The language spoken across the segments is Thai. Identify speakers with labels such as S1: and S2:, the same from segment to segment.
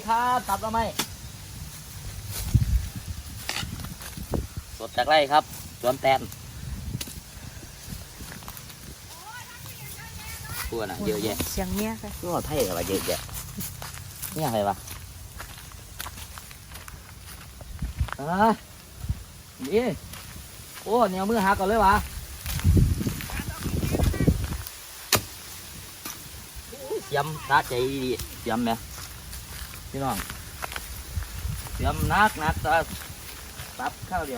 S1: ครับตับแล้วไหมสดจากไร่ครับสวนแตนตัวน่ะเยอะแยะ
S2: เสียงเนี้ยค่ะ
S1: ตัวไทยอะไรเยอะแยะเนี่ยอะไรวะนี่โอ้เนี่ยมือหักก่อนเลยวะเสียมตาใจดีเสียมไหมพี่น้องเสียมนักตาตับข้าวเดียว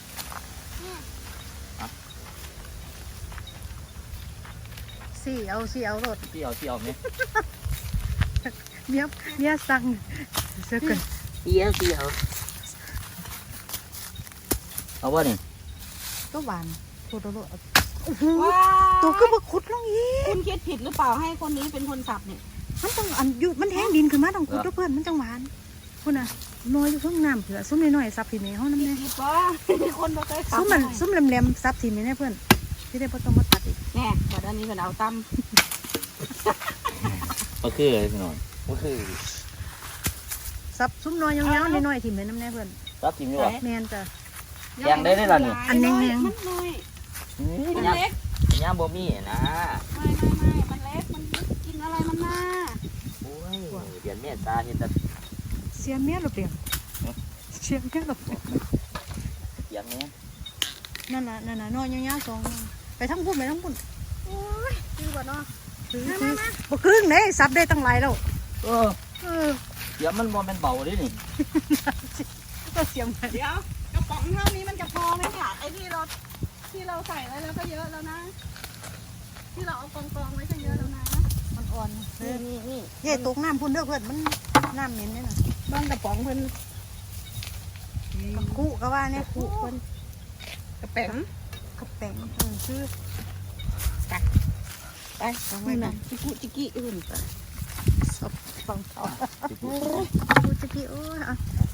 S2: สี่เอารถ
S1: เที่ยวไหม
S2: เมียสั่งเสือกัน
S1: เที่ยวเอาวะนี่
S2: ก็หวานโคตรโลด
S3: ว้า
S2: ตัวก็มาขุดลงอีก
S3: คุณคิดผิดหรือเปล่าให้คนนี้เป็นคนสับเนี่ย
S2: มันต้องอันอยู่มันแห้งดินขึ้นมาต้องขุดด้วยเพื่อนมันจังหวานคุณน่ะน้อยอยู่ข้างน้ำเผื่อส้มน้อยๆซับทีนี้ห้องน้ำแน่
S3: ผิดป่ะคนบ่เคยสับ
S2: ส้มแหลมๆซับทีนี้แน่เพื่อนที่ได้พอต้องมาตัดอีก
S3: แน่บัดอันนี้เป็นเอาตั้ม
S1: ก็คือพี่น้องก็คือ
S2: ซับส้มน้อยยาวๆน้อยๆทีนี้น้ำแน่เพื่อน
S1: รับจริงด้วย
S2: แมนจ้ะ
S1: แกงได้ไหมล่ะนี่
S2: อันแดงๆ
S3: มันน้อยมันเล็ก
S1: ย่าบ่มีนะ
S3: ไม่มันเล็กมันกินอะไรมันมา
S1: โอ้ยเดือนเมษาเห็นแต่
S2: เสียเมียหรือเปล่าเสียเมียหรือเปล่า
S1: เสียงเนี้ย
S2: นั่นน่ะน้อยยาวๆสองไปทั้งพุ่น
S3: โอ้ยคือบ่เนาะ
S2: บ่ครึ่งเด้ซับได้ตั้งหลายแล้ว
S1: เออเสียงมันบ่เป็นเบาดินี่
S2: ก็เสียงมัน
S3: เดี๋ยวกระป๋องเท่านี้มันจะพอไหมเนี่ยไอ้ที่เราใส่ไว้แล้วก็เยอะแล้วนะที่เราเอากองไว้ก็เยอะแล้วนะ
S2: มันอ่อน
S3: นี่
S2: เย่ตกน้ำพุ่นเด้อเพื่อนมันน้ำเหม็นเนี่ยนะ
S3: บ้างกระป๋องเพิ่น
S2: คู่ก็ว่าเนี่ยคู่เพิ่น
S3: กระแป๋ง
S2: กระแป้งชื่อ
S3: ไปนี่น่ะจิกิอื่น
S2: สองต่อคู่จะกี่โอ้ย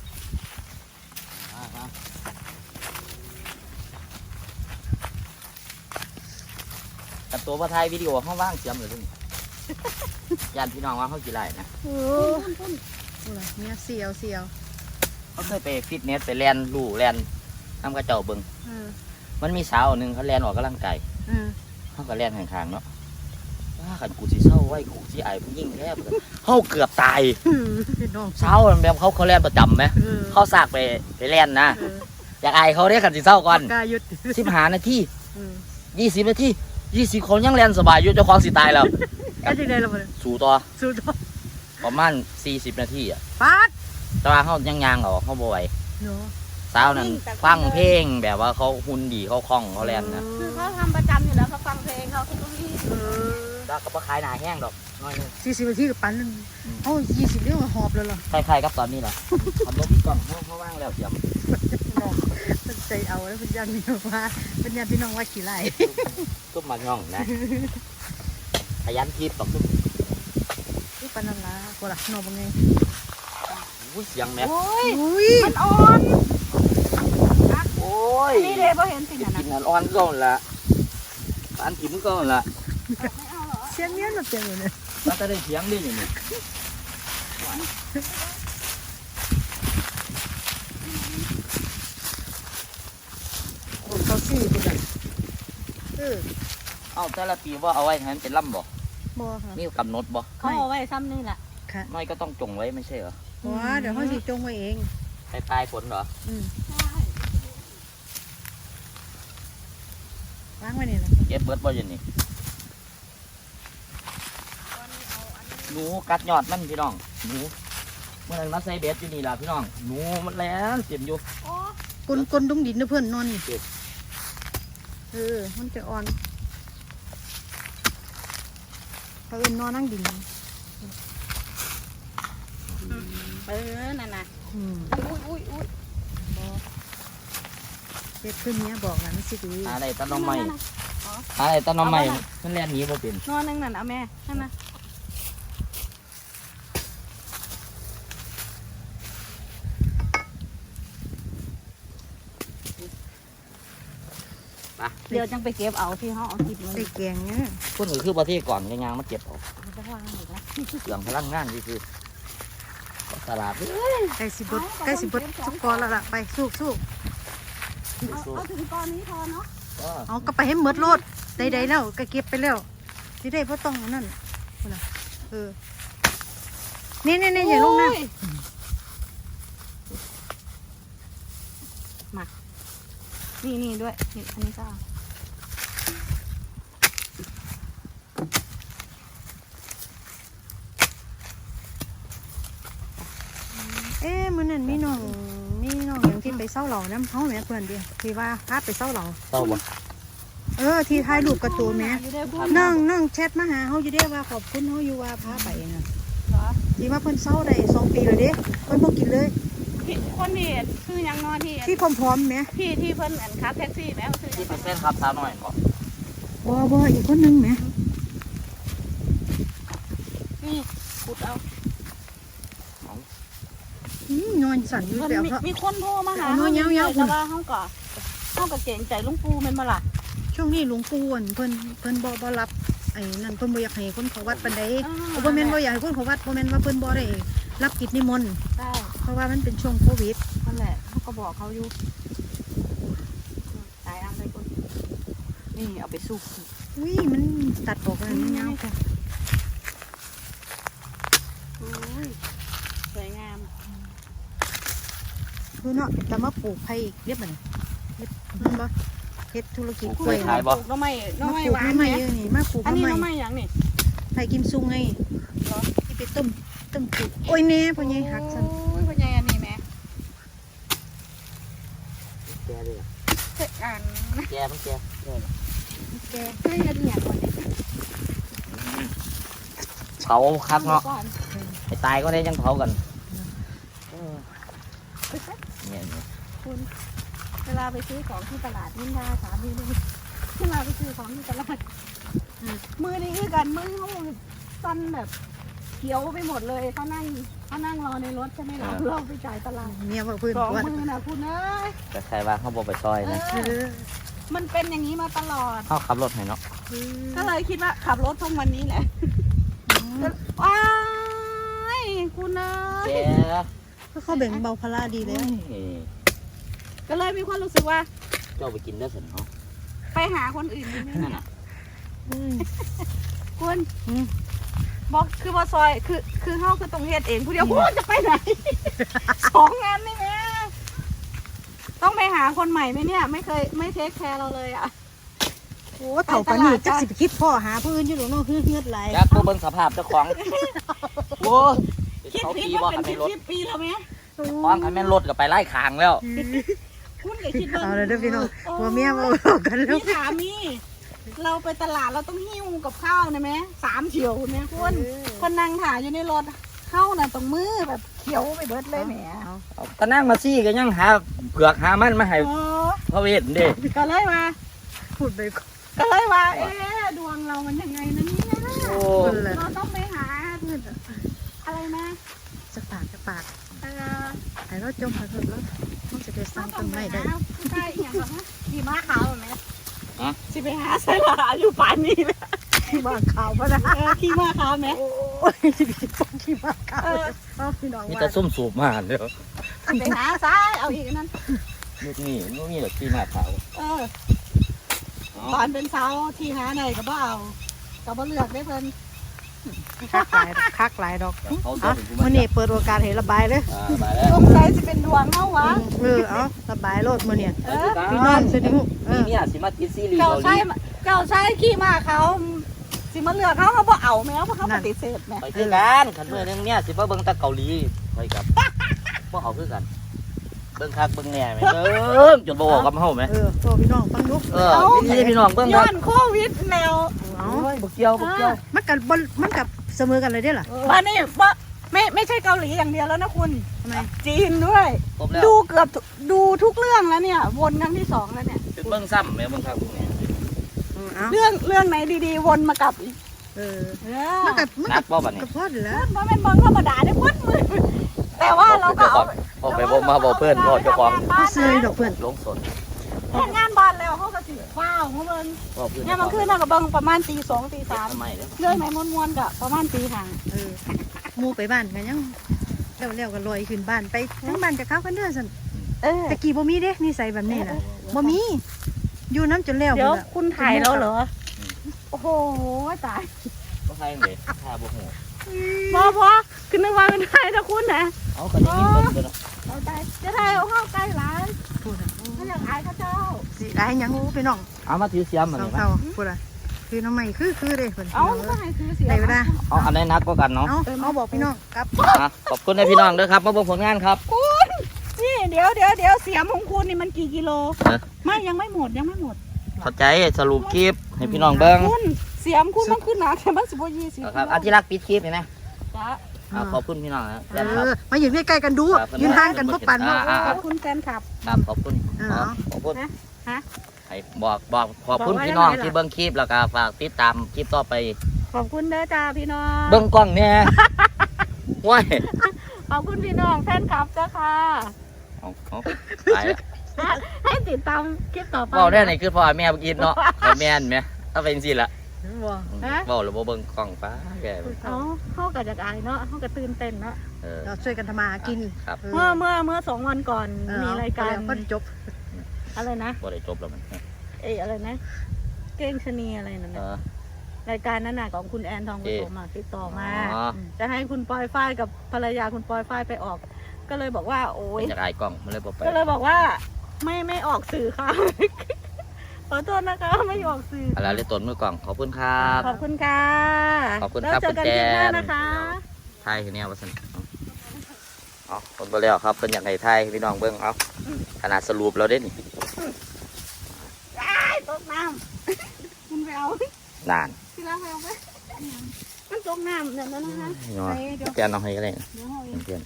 S1: แต่ตัวพระไทยวิดีโอเขาว่างเสียมเลยนี่ญาติพี่น้องว่าเขากี่ไรนะ
S2: โอ้เนี่ยเสียว
S1: เขาเคยไปฟิตเนสไปแลนลู่แลนน้ำกระเจ้าเบิงมันมีสาวหนึ่งเขาแลนออกกำลังกายเขาก็แลนข้างๆเนาะว่าขันกูสิเศร้าไว้กูสิไอ้ผู้ยิ่งแค่เขาเกือบตายเศร้าแบบเขาแลนประจำไหมเขาสากไปแลนนะอยากไอ้เขาได้ขันสิเศร้าก่อน
S2: กายุด
S1: 15 นาที20 นาที20 คนยังแลนสบายอยู่เจ้าของสิตายแล้ว
S2: ก็จะได้แล้วมัน
S1: สู่ต่อ
S2: สุด
S1: ประมาณ40 นาทีอ่ะ
S2: ปัด
S1: แต่ว่าเขายังยางเขาบ่ไหว
S2: เนาะ
S1: สาวนั้นฟังเพลงแบบว่าเขาหุ่นดีเขาคล่องเขาแลนนะ
S3: คือเขาทำประจำอยู่แล้วเขาฟังเพลงเขาก็มี
S1: แล้วก็บ่ขายหนาแห้งดอกน้อยนึง
S2: 40 นาทีกับปันนึงเอา20เรื่องหอบเลยเหรอ
S1: คล้ายๆกับตอนนี้แหละทำรถพี่กล่องเขาว่างแล้วเสียม
S2: เป็นใจเอาแล้วเป็นยันพี่น้องว่าเป็นยันพี่น้องว่าขี้ไล่
S1: ตุ้มมาย่องนะขยันทิพย์ตอกตุ้ม
S2: ที่ปันนั่นละกูละนอนบังไง
S1: อุ้ยเสียงแม่
S3: โอ้ย
S2: อุ้ย
S3: มันอ่อน
S1: โอ้ย
S3: นี่เลยพอเห็นสิ่งนั้น
S1: กินอันอ่อนก็ละอันกินก็ละ
S3: ไม่เอาเหรอ
S2: เสียงเนี้ยมันเปลี่ยนเลย
S1: แล้วจะได้เสียงดิอย่างนี้
S2: เขาสี่คนละ
S1: เอาแต่ละปีว่าเอาไว้ให้มันเป็นลำบ่
S2: บ่ค่ะ
S1: มีกำหนดบ่
S3: เขาเอาไว้ซ้ำนี่แหละ
S2: ค่ะ
S1: ไม่ก็ต้องจงไว้ไม่ใช่เหรอ
S2: ว้าเดี๋ยวเขาสิจงไว้เอง
S1: ปลายฝนเหรอ
S2: ล้างไว้นี่แหละ
S1: เก็บเบิดบ่อยังนี่หนูกัดยอดมันพี่น้องหนูเมื่อนั้นมาใส่เบ็ดอยู่นี่ล่ะพี่น้องหนูมันแล้วเต็มอยู่
S2: กลนตรงดินนะเพื่อนนอนนี่มันจะอ่อนเขาเอ็นนอนนั่งดิน
S3: นั่นน่ะ อุ้ย
S2: เด็กขึ้นเนี้ยบอกนะไม่ใช่ดี
S1: อะไรตะนอมใหม่อะไรตะนอมใหม่มันแล่นหนีบ่เป็น
S3: นอนนั่นเอาแม่นั่นนะ เดี๋ยวจังไปเก็บเอาที่ห้องเอากินมัน
S2: ใส่แกงเนี่ย
S1: คนอื่นคือประเทศก่อนยางมาเก็บเอา
S3: จะวางอีกแล้ว
S1: เสื่องพลังงานที่คือตลาดเอ้ย
S2: ใกล้สิเบิดใกล้สิเบิดสุกกอนแล้วล่ะไปสู้
S3: เอาถึงตอนนี้พอเนาะ
S1: ก็
S2: เอาก็ไปให้หมดโลดใดๆแล้วก็เก็บไปแล้วสิได้บ่ต้องอันนั่นพุ่นน่ะนี่อย่าลงน้ำ
S3: นี่ด้วยนี่อันนี้ก็
S2: มื้อนั้นมีน้องอย่างที่ไปเซาเหล่าน้ำเฮาแม่เพื่อนเดียวที่ว่าพาไปเซาเหล่า
S1: เศร้าบ่
S2: ที่ถ่ายรูปกระตูนแม่
S3: อยู่ได้พูด
S2: น้องแชทมาหาเฮาอยู่เด้ว่าขอบคุณเฮาอยู่ว่าพาไปน่ะ
S3: เหรอ
S2: ที่ว่าเพิ่นเซาได้2 ปีแล้วเด้เพิ่นบ่กินเลย
S3: พี่คนที่คือยังนอนที่
S2: ที่พร้อมๆแม่
S3: ที่เพิ่นอันขับแท็กซี่แม่คือ
S1: ที่เป็นเส้นครับสาวหน่อยบ่
S2: บ่อีกคนนึงแม่
S3: นี่ขุดเอา
S2: นอนสั่นอยู่
S3: มัน
S2: แล้ว
S3: มีคนโทรมาหา
S2: เอายาวๆ
S3: แต่ว่าเขาก็เก่งใจลุงปูแม่นบ่ล่ะ
S2: ช่วงนี้หลวงปู่เพิ่นบ่รับไอ้นั่นเพิ่นบ่อยากให้คนเขาวัดปานใดบ่แม่นบ่อยากให้คนเขาวัดบ่แม่นว่าเพิ่นบ่ได้รับกิจนิมนต์
S3: ใช่
S2: เพราะว่ามันเป็นช่วงโควิด
S3: นั่นแหละเขาก็บอกเขาอยู่ตายอันไปคนนี่เอาไปสู้
S2: อุ้ยมันตัดออกแล้วมันยาวค่ะ
S3: โอ้ยสวยงาม
S2: คือเนาะแต่มาปลูกไผ่อีกเรียบบ่นี่เฮ็ดมันบ่เฮ็ดธุรกิจกล้วย
S1: ขายบ่
S3: น้องไม้น้อง
S2: มา
S3: ไม้
S2: ปลูก
S3: หวาน
S2: ใหม่
S3: ไหม
S2: เยอะนี่มาปลูก
S3: อันนี้
S2: ใหม่
S3: น้องไม้หยังนี่
S2: ไผ่กิมซุงไง
S3: เหรอ
S2: ที่ไปต้มปลูกโอ้ยแน่พ่อใหญ่หักซั่น
S3: โอ้ยพ่อใหญ่อันนี้แม่
S1: แกเลย
S3: เสร็จอัน
S1: แกมันแก
S2: แก
S3: เฮ้ยอันนี้อย่างก่อนเนี่ย
S1: เผาคักเนาะ
S3: ก่อน
S1: ไอ้ตายก็ได้ยังเผากันเนี่ย
S3: คุณเวลาไปซื้อของที่ตลาดนิ่งได้สามีเลยเวลาไปซื้อของที่ตลาดมือนี่คือกันมือเขาสั้นแบบเขียวไปหมดเลยเขานั่งรอในรถใช่ไหมเราไปจ่ายตลาด
S2: เมียว่าเพิ่น
S3: สอง
S2: ว่า
S3: มือนะคุณเอ้ย
S1: แต่ใครว่าเขาบอกไปซอยนะ
S2: เออ
S3: มันเป็นอย่างนี้มาตลอด
S1: เขาขับรถให้เนาะ
S3: ก็เลยคิดว่าขับรถทั้งวันนี้แหละว้ายคุณเอ้
S1: แก
S3: ย
S2: ก็เขาแบ่งเบาภาระดีแล้ว
S3: ก็เลยมีความรู้สึกว่า
S1: เจ้าไปกินได้สินเนาะ
S3: ไปหาคนอื่นดีไหม
S1: นั่นน่ะ
S3: คุณบอกคือว่าซอยคือเฮาคือตรงเฮ็ดเองผู้เดียวคุณจะไปไหน สองงานนี่แม่ต้องไปหาคนใหม่ไหมเนี่ยไม่เทคแคร์เราเลยอ่ะ
S2: โอ้เฒ่าปานนี้จักสิไปคิดพ่อหาผู้อื่นอยู่หรอกเนาะเฮือดหลาย
S1: อยากตัวเบิ่งสภาพเจ้าของโว้ย
S3: คิด
S1: เขา
S3: ผิด
S1: ปี
S3: ว่า
S1: ว่า
S3: เป็น
S1: คันแม่นรถ
S3: 10 ปีแล้วไหม
S1: คล้องคันแม่นรถก็ไปไล่คางแล้ว
S3: คุณก็คิดว่า
S2: เอาเลยเด้อพี่น้องผัวเมียเว้ากันแล้ว
S3: พี่ถามมีเราไปตลาดเราต้องหิ้วกับข้าวนะไหม3 เฉียวเนี่ยคุณคนนั่งถ่ายอยู่ในรถเข้าน่ะตรงมือแบบเขียวไปเบิดเลยแหม
S1: ก็นั่งมาซี่ก็ยังหาเผือกหามันมาให้
S3: โอ้
S1: พระเวทเด้
S3: ก็เลยมา
S2: พูดไปก่อน
S3: ก็เลยว่าเอ๊ะดวงเรามันยังไงนะเนี่ย
S1: โอ้
S2: คนละ
S3: เราต้องไปหาอะไรนะ
S2: จะปาก
S3: เออ
S2: ให้เราจมมาเถอะแล้วมันจะได้สร้างต้นไม้ได้
S3: ใช่อย่างแบบว่าขี่ม้าขาวไหมสิไปหาใส่ลาอยู่ป่านนี้เลย
S2: ที่บ้านขาวพะนะ
S3: ขี่ม้าขาวไหม
S2: โอ้ยที่ต้องที่บ้านขาวเอาพี่น้อง
S1: มี
S2: ว่า
S1: แต่ซุ่มสูบมาเด้อ
S3: ไปหาซ้ายเอาอีกนั่น
S1: ลูกนี่ลูกนี่แหละที่มาขาว
S3: ตอนเป็นสาวที่หาไหนก็บ่เอาก็บ่เลือกได้เพิ่น
S2: คักหลายดอก
S1: เขา
S2: อ่ะ
S1: ถึงกู
S2: มื้อนี้เปิดโอกาสให้ระบายเลย
S1: มาแล้ว
S3: สงสัยสิเป็นดวงเฮาวะ
S2: เอาระบายโลดมื้อนี้
S3: เออ
S2: พี่น้องสนุก
S1: นี่เนี่ยสิมาติดซีรีส์
S3: เจ้า
S1: เกาห
S3: ใช้
S1: ลี
S3: เจ้าใช้ขี่ม้าขาวสิมาเลือกเขาบ่เอาแม้เพราะเขาปฏิเสธแม่
S1: ไปคือกันขันเมื่อนึงเนี่ยสิมาเบิ่งแตะเกาหลีไปกับบ่เอาคือกันเบิ่งคักเบิ่งแหน่แม่เบิ่งจนบ่บอกกับเฮาแม่
S2: โตพี่น้องฟังดู
S1: พี่น้องเบิ่ง
S3: ย้
S1: คั
S3: อก นโควิดแนว
S2: เอา
S1: โอ้ยบ่เกี่ยวบ่เกี่ยว
S2: มันกับเสมอกันเลยได้ล่ะ
S3: บ้านนี้ว่าไม่ใช่เกาหลีอย่างเดียวแล้วนะคุณ
S2: ทำไม
S3: จีนด้วย
S1: ครบแล้ว
S3: ดูเกือบดูทุกเรื่องแล้วเนี่ย วนครั้งที่ 2แล้วเนี่ย
S1: จุดเบิ่งซ้ำแม่เบิ่งคักพวกนี้
S2: เอา
S3: เรื่องไหนดีๆ วนมากลับอีก
S2: มันกับ
S1: นักบ่บัดนี้
S2: พอดแล้ว
S3: เพราะเป็นเบิงธรรมดาได้พุดมือแต่ว่าเราก็เอา
S1: ออกไปบ่มาบ่เพิ่นบ่เจ้าของ
S2: เขาซื้อดอกเพื่อน
S1: ลงสน
S3: เฮ็ดงานบ้านแล้วเขาก็สิว้าวเขาเบิ่ง
S1: บ่เพิ่น
S3: เนี่ยมันขึ้นมากับเบิ่งประมาณตี 2 ตี
S1: ทำไมเด้อ
S3: 3เรื่องไหนม้วนๆก็ประมาณตี 5
S2: หมูไปบ้านกันยังแล้วก็ลอยขึ้นบ้านไปทั้งบ้านจะเข้ากันเด้อซั่น
S3: เออ
S2: ตะกี้บ่มีเด้นิสัยแบบนี้น่ะบ่มีอยู่น้ำจนแล้ว
S3: เดี๋ยว
S2: พุ่นน่ะ
S3: คุณถ่ายแล้วเหรอโอ้โหตาย
S1: ก็ใช่เลยถ้าบ่หู
S3: พอคือนึกว่าเป็นถ่ายถ้าคุณนะ
S1: เอาก็ได้ยินเบิ่งเนาะ
S3: เอาใจจะถ่ายเอาเข้าใกล้หลาย
S2: พุ่นน่ะ
S3: ไม่อยากอายเขาเจ้า
S2: สิได้หยังพี่น้อง
S1: เอามาถือเสียมมันนี่
S2: เศร้าๆพุ่นน่ะคือน้ำใหม่คือเด้เพิ่น
S3: เอาก็ให้คือเสีย
S2: ได้เวลา
S1: เอาอันไหนนักก็กันเนาะ
S2: เอาบอกพี่น้องครับ
S1: ขอบคุณนะพี่น้องเด้อครับมาเบิ่งผลงานครับ
S3: นี่เดี๋ยวเสียมของคุณนี่มันกี่กิโล
S1: ฮะ
S3: ไม่ยังไม่หมด
S1: เข้าใจสรุปคลิปให้พี่น้องเบิ่ง
S3: คุณเสียมคุณมันขึ้นหนาแค่มันสิบ20
S1: ครับอาทิรักปิดคลิปนี่นะ
S3: จ้ะ
S1: ขอบคุณพี่น้องนะ
S2: เออมาอยู่ใกล้ๆกันดูยืนห่างกันบ่ปานเนาะ
S3: ขอบคุณแฟนคลับ
S1: ครับขอบคุณ ขอบคุณ
S3: ฮะ
S1: ให้บอกขอบคุณ
S3: บอกว่า
S1: พี่น้อง
S3: ยังไงล่ะ
S1: ที่เบิ่งคลิปแล้วก็ฝากติดตามคลิปต่อไป
S3: ขอบคุณเด้อจ้าพี่น้อง
S1: เบิ่งกล้องเนี่ยว้าย
S3: ขอบคุณพี่น้องแฟนคลับจ้าค่ะ
S1: เอาตายแล้ว
S3: ให้ติดตามคลิปต่อไป
S1: เว้าได้ไหนคือพ่อแม่กินเนาะพ่อแม่นไหมถ้าเป็นสิล่ะ
S3: ฮะ
S1: เว้าหรือบ่เบิ่งกล้องป้าแก
S3: เอาเข้ากับจากอายเนาะเข้ากับตื่นเต้นเนาะ
S2: เราช่วยกันทำมาหากิน
S1: ครับ
S3: เมื่อ2 วันก่อนมีรายการ
S2: ก็จบ
S3: อะไรนะ
S1: บ่ได้จบแล้วมัน
S3: อะไรนะ เก้งชะนีอะไรนั่นนะรายการนั้นน่ะของคุณแอนทองผสมอะติดต่อมา จะให้คุณปอยฝ้ายกับภรรยาคุณปอยฝ้ายไปออก ก็เลยบอกว่าโอ๊ย
S1: เป็นจากอายกล้องมันเลยบ่ไป
S3: ก็เลยบอกว่าไม่ออกสื่อค่ะ ขอโทษนะคะไม่ออกสื่อ
S1: อะไรเลยต้นมือกล้องขอบคุณครับ
S3: ขอบคุณค่ะ
S1: ขอบคุณ
S3: แล้ว
S1: ครับ
S3: เจอกัน
S1: คุณ
S3: คลิปห
S1: แจ
S3: น้าน นะคะ
S1: ไทยคือแนวว่าซั่นเอาคนบ่แล้วครับเพิ่นอยากให้ไทยพี่น้องเบิ่งเอาขนาดสรุปเราเด้นี่
S3: ตกน้ำคุณไปเอา
S1: นาน
S3: ที่รักไปเอาไปมันตกน้ำเนี่ยนะนะคะ
S1: เนาะแกนเอาให้ก็ได้
S3: เดี๋ยวเอาเอง
S1: เพื่อน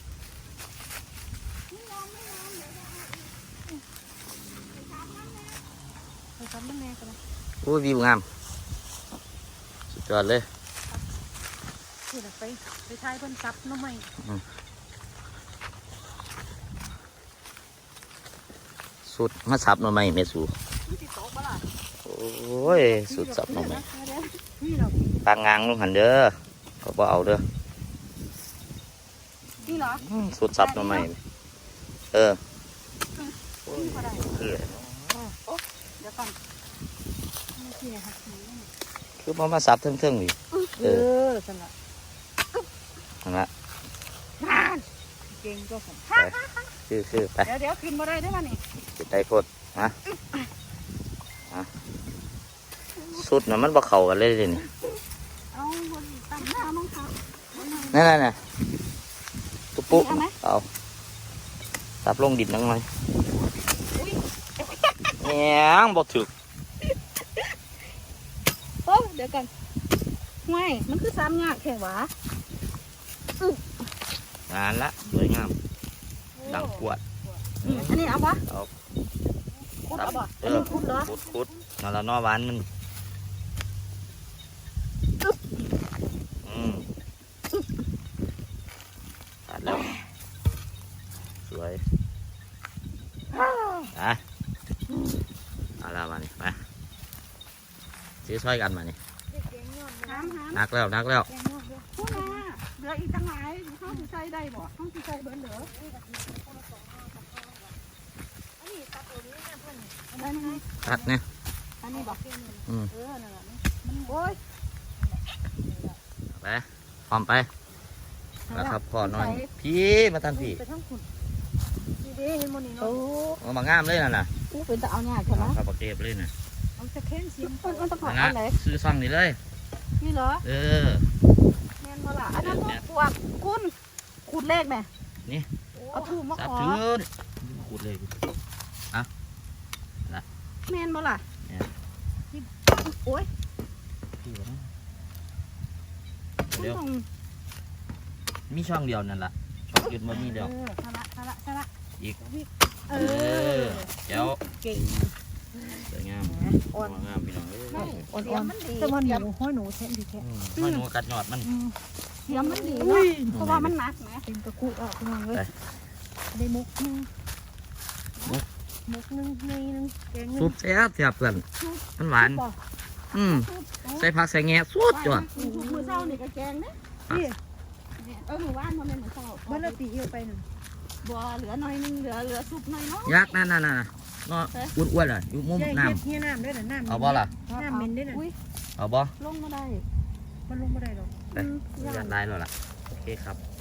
S3: ไปซ้ำน้ำแม่กันนะ
S1: โอ้ยวิวงามสุดยอดเลย
S2: นี่แหละไปทายเพิ่นซับน้ำใหม่
S1: สุดมาสับหน่อไม้แม่สู
S3: มันติดโต๊ะปะล่ะ
S1: โอ้ยสุดสับหน่อไม้
S2: นี่เรา
S1: ปางงางลงหันเด้อก็บ่เอาเด้อ
S3: นี่เหรอ
S1: สุดสับหน่อไม้เออ
S3: นี่ก็ได้
S1: คือ
S3: เดี๋ยวก่อน
S2: ไม่เสียค่ะ
S1: คือพอมาสับเทิงๆนี่
S2: สำหรับ
S1: นั่นละ
S2: เก่งก็ผม
S1: คือไป
S3: เดี๋ยวขึ้นมาได้ไหมนี่
S1: ติดได้โพดฮะสุดน่ะมันบ่เข้ากันเลยเดี๋ยวนี่
S3: เอาบนตั้งหน้ามั้งครับ
S1: นั่นน่ะตุ๊ปุ๊
S3: เอาไหม
S1: เอาสับลงดินนังหน่อยแหงบ่ถึก
S3: โอ้เดี๋ยวกันห่วยมันคือซ้ำยากแค่หวะ
S1: งานละสวยงามดังปวด
S3: อันนี้เอาปะ
S1: เอา
S3: คุดเอาปะ
S1: เอ
S3: อัน
S1: อ
S3: นี้คุดเหรอ
S1: คุดนั่นละเนอหวานมันตัดแล้วสวยเอาละมานี่ไปซื้อช่วยกันมานี่
S3: หาม
S1: นักแล้ว
S3: พูดมาเหลืออีกตั้งหลายเขาสิใช้ได้บ่เขาสิใช้เบิร์นเหลืออันนี้
S1: ตัดเนี่ย
S3: อันนี้บอก
S1: อืม
S3: นั่นแหละมันโอ้ย
S1: ไปพร้อมไปแล้วครับพ่อน้อยพี่มาทันพี่
S2: ไปทั้งคุณดีเด้เห็นโมนี่
S3: โอ้
S2: เนาะ
S1: เอามางามเลยน่ะ
S3: กูเป็นตะเอาหน้าใช่ไหม
S1: ครับปากเก็บเลยน่ะ
S2: เอาจะแข้งเสียม
S3: มันต้องขอ
S1: นะ
S3: อันไหน
S1: ซื้อซ่องนี่เลย
S3: นี่เหรอ
S1: เออ
S3: แม่นบ่ล่ะอันนั้นพวกคุณขุดเลขไหม
S1: นี่
S3: เอาถูกมา
S1: สับ
S3: ขอ
S1: ถือขูดเลย
S3: แม่นบ่ล่ะ
S1: แม่น
S3: โอ้ย
S1: พี่วะนะ
S3: คุณ
S1: เดี๋ยว
S3: ต้อง
S1: มีช่องเดียวนั่นล่ะช่องหยุดมามีเดียว
S3: สละ
S1: อีก
S3: เออ
S1: เดี๋ยว
S3: เก่ง
S1: สวยงาม
S2: อ่อน
S1: งามพี่น้องเอ้ย
S2: อ่อนๆแต่ว่าหนูห้อยหนูแท้ดีแท้
S1: ห้อยหนูกัดยอดมัน
S3: เสียงมันดีนะเพราะว่ามันหนักนะ
S2: เป็นตะกุอ่ะคุณน้องเลยได้มุกนึงมุกนึงในนึงแกงนึ
S1: ซุ
S2: ง
S1: ปแซ่บเพื่อนมันหวานใส่ผักใส่แงะสุดจ้ะ
S3: มือเศร้านี่ก็แกงเนี่ย
S2: นี่
S3: หมู่บ้านมันเป็นเหมือนเศร้า
S2: บ่ละตีเอียวไปนั่น
S3: บัวเหลือหน่อยนึงเหลือซุปหน่อยเนาะ
S1: ยักษ์นั่นเนาะอ้วนๆเลยอยู่มุม
S2: ใหญ่
S1: น้
S2: เฮ็ดเฮียน้ำด้วยน่ะน้ำ
S1: ำเอาบ่ล่ะ
S2: น้ำเหม็นด้วยน่ะ
S3: อุ้ย
S1: เอาบ่
S3: ลงมาได้
S2: มันลงบ่ได้หรอก
S1: ไปยัดได้แล้วล่ะโอเคครับ